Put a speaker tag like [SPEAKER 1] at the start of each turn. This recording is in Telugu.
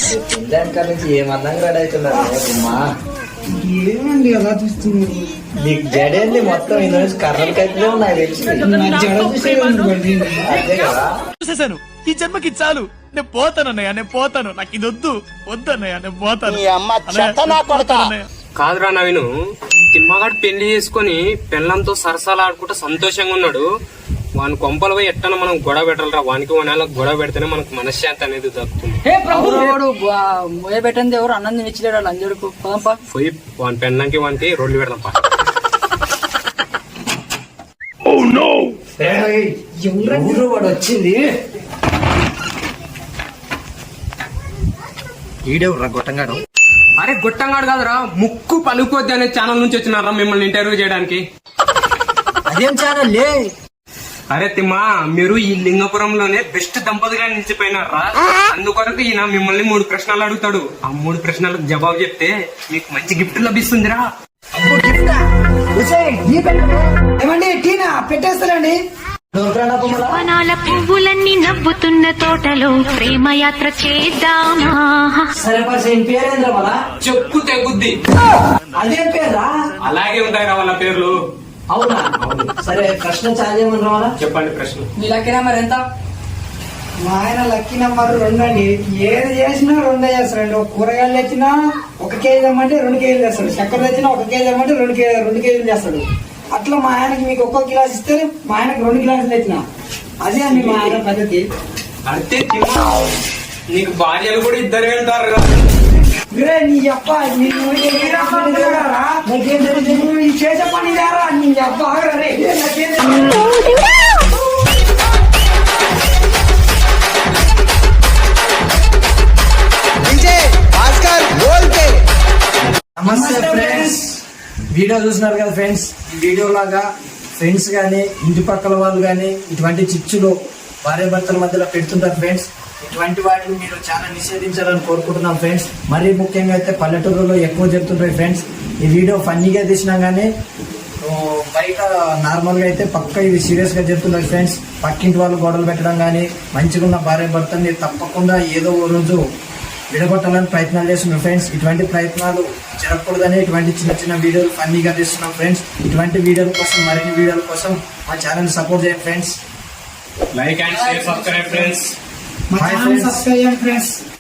[SPEAKER 1] ఇందాక నుంచి ఏమన్నా రెడీ అవుతున్నారు అమ్మా.
[SPEAKER 2] ఏమండి అలా చూస్తుంది?
[SPEAKER 1] నీకు జడేంది మొత్తం ఇందులో నుంచి కర్రలకైతే ఉన్నాయి తెలిసి.
[SPEAKER 2] జడ చూసేదండి.
[SPEAKER 1] అదే కదా
[SPEAKER 3] చూసేసాను. ఈ జన్మకి చాలు. నేను పోతాను అన్నయ్య, నేను పోతాను. నాకు ఇది వద్దు వద్దన్నయ్య, నేను పోతాను.
[SPEAKER 4] కాదురా నవీను, తిమ్మగాడు పెళ్లి చేసుకుని పెళ్ళంతో సరసాలాడుకుంటూ సంతోషంగా ఉన్నాడు. వాని కొంపలు పోయి ఎట్టన మనం గొడవ పెట్టాలరా. వానికి వాళ్ళకి గొడవ పెడితేనే మనకు మనశ్శాంతి అనేది దక్కుతుంది.
[SPEAKER 5] పెట్టండి ఎవరు అన్నం తినిచ్చలేడు లంజడుకు
[SPEAKER 4] పోయి వాని పెళ్ళంకి వానికి రోడ్లు పెడదాం.
[SPEAKER 1] ఎవరు వాడు వచ్చింది? ఈడెవర్రా గొట్టంగాడు?
[SPEAKER 4] అరే గొట్టంగాడు కాదురా, ముక్కు పలుకోద్ది అనే ఛానల్ నుంచి వచ్చినారా మిమ్మల్ని ఇంటర్వ్యూ చేయడానికి.
[SPEAKER 1] అదేం ఛానల్ లే?
[SPEAKER 4] అరే తిమ్మా, మీరు ఈ లింగపురంలోనే బెస్ట్ దంపతిగా నిలిచిపోయినారా. అందుకొరకు ఈయన మిమ్మల్ని 3 ప్రశ్నలు అడుగుతాడు. ఆ 3 ప్రశ్నలకు జవాబు చెప్తే మీకు మంచి గిఫ్ట్ లభిస్తుందిరా.
[SPEAKER 2] ఏమండి టీనా పెట్టేస్తారండి.
[SPEAKER 6] వనాల పువ్వులన్నీ నవ్వుతున్న తోటలో ప్రేమయాత్ర చేద్దామా.
[SPEAKER 1] సరే పర్సన్ పేరేంద్ర మళ్ళా
[SPEAKER 4] చెప్పు తెగుద్ది.
[SPEAKER 1] అదే పేరా?
[SPEAKER 4] అలాగే ఉంటాయిరా వాళ్ళ పేర్లు.
[SPEAKER 1] అవునా? సరే ప్రశ్న చాలు ఏమన్నా వాళ్ళ
[SPEAKER 4] చెప్పండి ప్రశ్న.
[SPEAKER 5] మీ లక్కీ నెంబర్ ఎంత?
[SPEAKER 2] మా ఆయన లక్కీ నెంబర్ 2 అండి. ఏది చేసినా 2 చేస్తారండి. ఒక కూరగాయలు తెచ్చినా 1 కేజీ తెమ్మంటే 2 కేజీలు చేస్తాడు. చక్కెర తెచ్చినా 1 కేజీ తెమ్మంటే 2 కేజీలు చేస్తాడు. అట్లా మా ఆయనకి మీకు 1 గిలాస్ ఇస్తే మా ఆయనకు 2 గిలాసులు తెచ్చిన. అదే అండి మా ఆయన పద్ధతి.
[SPEAKER 4] అంతే తిమ్మా, నీకు భార్యలు కూడా 2 వెళ్తారు కదా.
[SPEAKER 2] నీ అప్ప చేసే పని లేరా నీ అప్ప ఆగరే.
[SPEAKER 1] నమస్తే ఫ్రెండ్స్, వీడియో చూస్తున్నారు కదా ఫ్రెండ్స్. ఈ వీడియో లాగా ఫ్రెండ్స్ గానీ ఇంటి పక్కల వాళ్ళు గానీ ఇటువంటి చిచ్చులు భార్య భర్తల మధ్యలో పెడుతుంటారు ఫ్రెండ్స్. ఇటువంటి వాటిని మీరు చాలా నిషేధించాలని కోరుకుంటున్నాం ఫ్రెండ్స్. మరీ ముఖ్యంగా అయితే పల్లెటూరులో ఎక్కువ జరుగుతుంటాయి ఫ్రెండ్స్. ఈ వీడియో ఫన్నీగా తీసినా గానీ బయట నార్మల్ గా అయితే పక్క ఇది సీరియస్ గా జరుగుతుంటాయి ఫ్రెండ్స్. పక్కింటి వాళ్ళు గొడవలు పెట్టడం గానీ మంచిగా ఉన్న భార్య భర్తని తప్పకుండా ఏదో ఓ రోజు విడగొట్టాలని ప్రయత్నాలు చేస్తున్నాం ఫ్రెండ్స్. ఇటువంటి ప్రయత్నాలు జరగకూడదని ఇటువంటి చిన్న చిన్న వీడియోలు ఫన్నీగా తీస్తున్నాం ఫ్రెండ్స్. ఇటువంటి వీడియోల కోసం మరిన్ని వీడియోల కోసం మా ఛానల్ సపోర్ట్ చేయండి friends.
[SPEAKER 4] Like and share, subscribe friends.
[SPEAKER 2] మా ఛానల్ సబ్స్క్రైబ్ చేయండి ఫ్రెండ్స్.